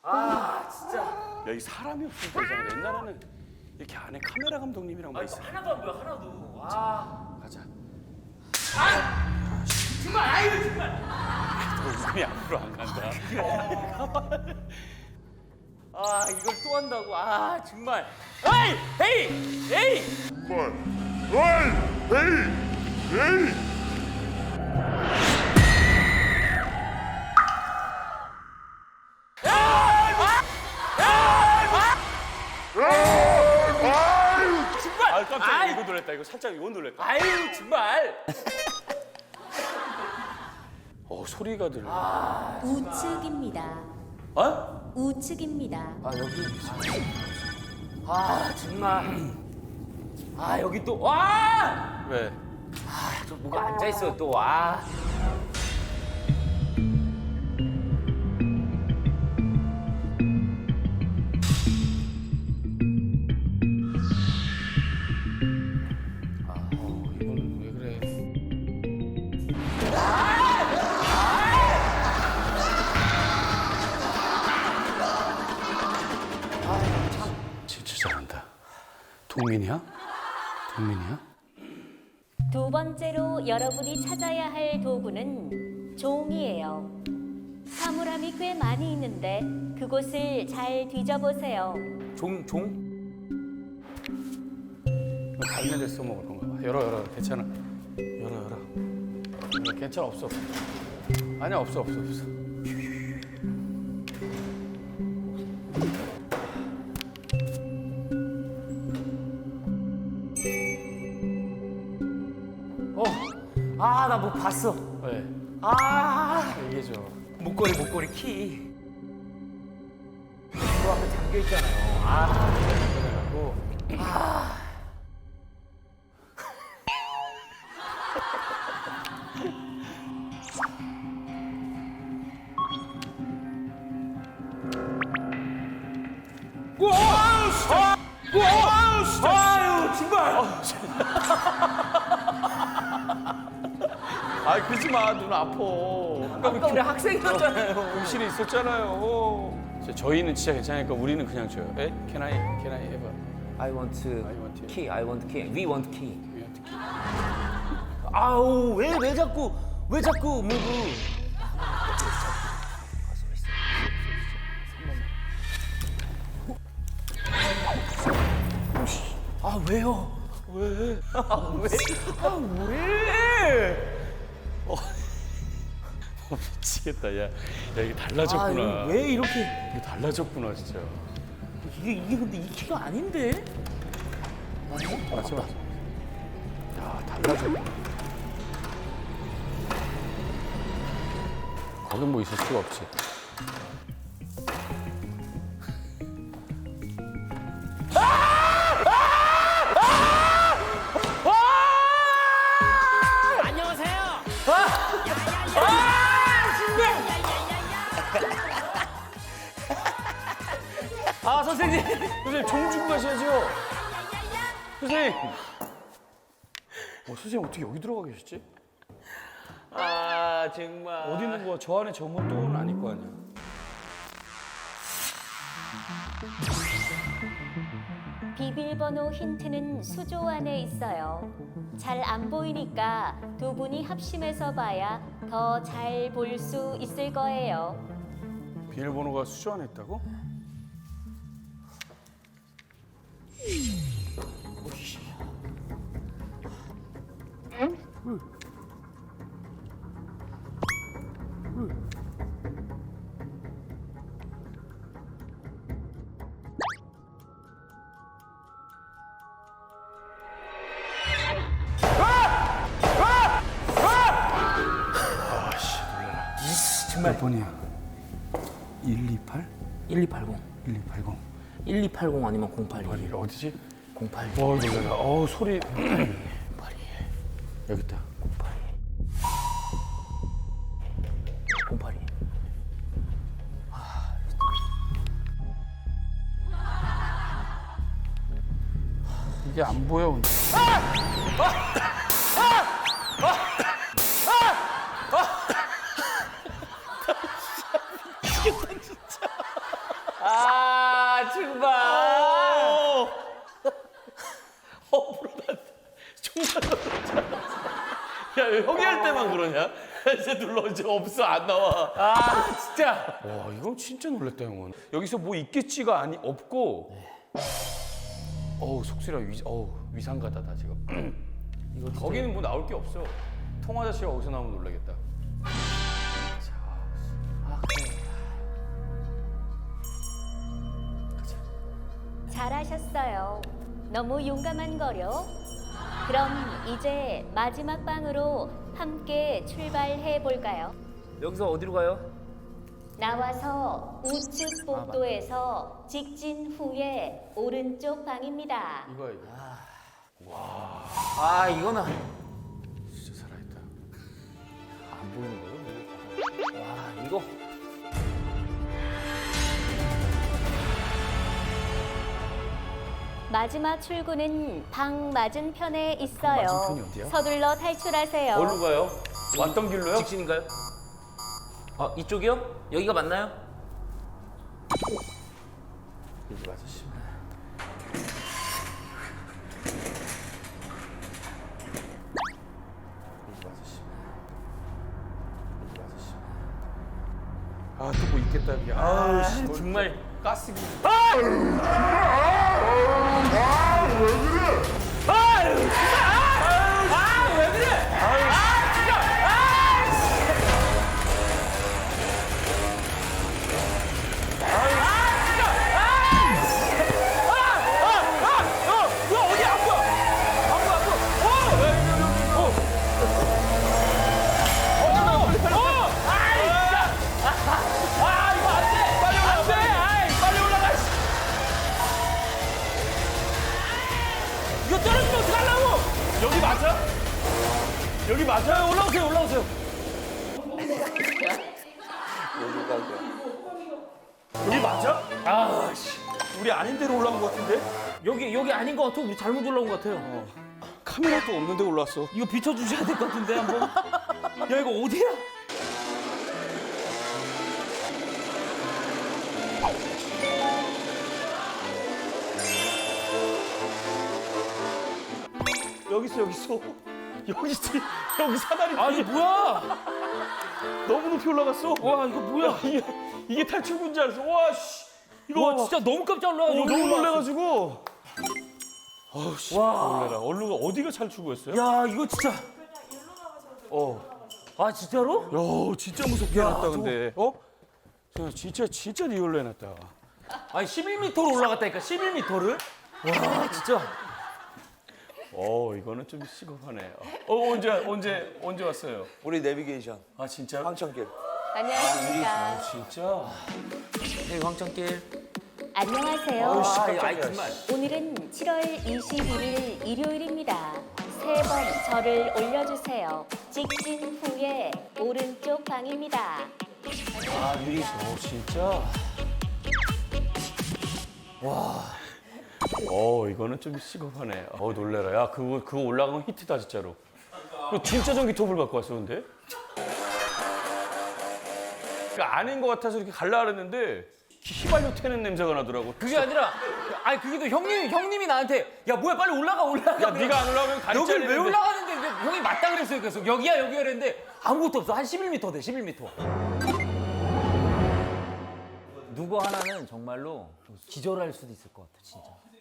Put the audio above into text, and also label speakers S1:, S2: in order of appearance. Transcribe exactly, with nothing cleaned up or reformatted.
S1: 아 진짜.
S2: 야, 이 사람이 없으니까 이상하다. 옛날에는 이렇게 안에 카메라 감독님이랑 막
S1: 아
S2: 있어.
S1: 이거 하나도 안 보여 하나도. 아
S2: 가자.
S1: 정말 아유 정말.
S2: 너 이름이 앞으로 안 간다.
S1: 아 이걸 또 한다고. 아 정말. 에이 에이 에이.
S3: Oi! Ei! Ei!
S2: 아, 깜짝이야.
S1: 아이.
S2: 이거 놀랬다. 이거 살짝 이거 놀랬다.
S1: 아유 정말.
S2: 어, 소리가 들려.
S4: 우측입니다.
S2: 어?
S4: 우측입니다.
S1: 아 여기 있어. 아 정말. 아 여기 또 와.
S2: 왜?
S1: 저 뭐가 앉아 있어 또 와.
S2: 어, 이분 왜 그래? 진짜 잘한다. 동민이야? 동민이야?
S4: 두 번째로 여러분이 찾아야 할 도구는 종이에요. 사물함이 꽤 많이 있는데 그곳을 잘 뒤져보세요.
S1: 종 종.
S2: 이거 갈매대 써먹을 건가 봐. 열어, 열어. 괜찮아. 열어, 열어. 이거 괜찮아. 없어. 아니야, 없어, 없어, 없어.
S1: 어. 아 나 뭐 봤어.
S2: 왜?
S1: 아
S2: 얘기해줘.
S1: 목걸이 목걸이 키. 그 앞에 잠겨 있잖아요. 아.
S2: 그래갖고.
S1: 우와 진짜. 우와 진짜. 아유 정말.
S2: 아, 그러지 마. 눈 아파.
S1: 아까 우리 학생이었잖아요.
S2: 음실이 있었잖아요. 저- 저희는 진짜 괜찮으니까 우리는 그냥 줘요. 에? Can I, can I have a...
S1: I want
S2: I want to.
S1: key. I want key. We want key.
S2: we have to keep-
S1: 아우 왜 왜 자꾸 왜 자꾸 뭐고? 아 왜요?
S2: 왜?
S1: 아 왜? 아 왜?
S2: 어, 미치겠다. 야, 야 이게 달라졌구나.
S1: 아 이거 왜 이렇게?
S2: 이게 달라졌구나, 진짜.
S1: 이게 이게 근데 이 키가 아닌데?
S2: 맞지, 맞지. 야, 달라졌구나. 거긴 뭐 있을 수가 없지.
S1: 안녕하세요. 아 선생님.
S2: 선생님, 종 주고 가셔야죠. 선생님. 어, 선생님 어떻게 여기 들어가 계셨지?
S1: 아 정말.
S2: 어디 있는 거야? 저 안에 저건 또는 아닐 거 아니야.
S4: 비밀번호 힌트는 수조 안에 있어요. 잘 안 보이니까 두 분이 합심해서 봐야 더 잘 볼 수 있을 거예요.
S2: 비밀번호가 수조 안에 있다고? 아씨, 놀라라.
S1: 정말.
S2: 몇 번이야? 일이팔?
S1: 일이팔공.
S2: 일이팔공.
S1: 일이팔공 아니면 공팔이.
S2: 어디, 어디지?
S1: 공팔이.
S2: 어, 놀라라. 어, 소리.
S1: 공팔이.
S2: 여기 있다.
S1: 공팔이. 공팔이.
S2: 이게 안 보여. 근데.
S5: 때만 그러냐? 이제 눌러 이제 없어 안 나와.
S1: 아 진짜.
S2: 와 이건 진짜 놀랬다 형은. 여기서 뭐 있겠지가 아니 없고. 어우 속쓰려 위 어우 위상가다다 지금. 이거 거기는 뭐 나올 게 없어. 통아저씨가 어디서 나오면 놀라겠다.
S4: 잘하셨어요. 너무 용감한 거요. 그럼 이제 마지막 방으로 함께 출발해 볼까요?
S1: 여기서 어디로 가요?
S4: 나와서 우측 복도에서 직진 후에 오른쪽 방입니다.
S2: 이거 이거.
S1: 아 이거는
S2: 진짜 살아있다.
S1: 안 보이는 거요? 와 이거.
S4: 마지막 출구는 방 맞은편에 있어요.
S2: 맞은편이 어디야?
S4: 서둘러 탈출하세요.
S1: 어디로 가요?
S2: 왔던 길로요?
S1: 직진인가요? 아 이쪽이요? 여기가 맞나요?
S2: 여기 맞으시. 여기 맞으시. 여기 맞으시. 아또 뭐 있겠다 여기. 아우 씨 뭘
S1: 정말
S2: 가스기.
S1: 아왜 그래? 아 진짜. 아 뭐야 어디 안 보여? 안 보여 안 보여. 어! 왜 이래 어! 어! 어! 아이 진짜. 아 이거 안 돼. 빨리 올라가. 안 돼. 아이 빨리 올라가. 이거 떨어지면 어떡하려고? 여기 맞아? 여기 맞아요? 올라오세요 올라오세요. 여기 맞아? 아씨 우리 아닌 데로 올라온 것 같은데? 여기 여기 아닌 것 같아. 우리 잘못 올라온 것 같아요.
S2: 카메라도 없는데 올라왔어.
S1: 이거 비춰주셔야 될 것 같은데 한번. 야 이거 어디야?
S2: 여기 있어 여기 있어. 여기 있어. 여기 사다리.
S1: 아 이게 뭐야?
S2: 너무 높이 올라갔어.
S1: 와 이거 뭐야?
S2: 이게 이게 탈출구인 줄 알았어. 와 씨. 이거
S1: 와 진짜 너무 깜짝
S2: 어,
S1: 놀라가지고.
S2: 너무 놀래가지고. 아우 씨.
S1: 와.
S2: 놀래라. 얼루가 어디가 탈출구였어요?
S1: 야 이거 진짜.
S2: 어.
S1: 아 진짜로?
S2: 야 진짜 무섭게
S1: 야,
S2: 해놨다 근데. 어? 저 진짜 진짜 리얼로 해놨다.
S1: 아니 십일 미터로 올라갔다니까 십일 미터를? 와 진짜.
S2: 어 이거는 좀 시급하네. 어 언제 언제 언제 왔어요?
S6: 우리 내비게이션
S2: 아 진짜?
S6: 황천길.
S4: 안녕하십니까.
S2: 진짜?
S1: 네 황천길.
S4: 안녕하세요.
S1: 아 아이 정말.
S4: 오늘은 칠월 이십일일 일요일입니다. 세 번 저를 올려주세요. 직진 후에 오른쪽 방입니다.
S2: 아 유리. 어 진짜? 와. 어 이거는 좀 시급하네. 어 놀래라. 야 그거 그거 올라가면 히트다 진짜로. 그 진짜 전기톱을 갖고 왔어 근데? 그러니까 아닌 것 같아서 이렇게 갈라 그랬는데 휘발유 태는 냄새가 나더라고.
S1: 그게 아니라 아니 그게 또 형님 형님이 나한테 야 뭐야 빨리 올라가 올라가.
S2: 야 네가 안 올라가면 다리
S1: 여길 왜
S2: 잘리는데.
S1: 올라가는데 근데 형이 맞다 그랬어요. 계속 여기야 여기야 그랬는데 아무것도 없어. 한 십일 미터 돼 십일 미터.
S7: 누구 하나는 정말로 기절할 수도 있을 것 같아, 진짜.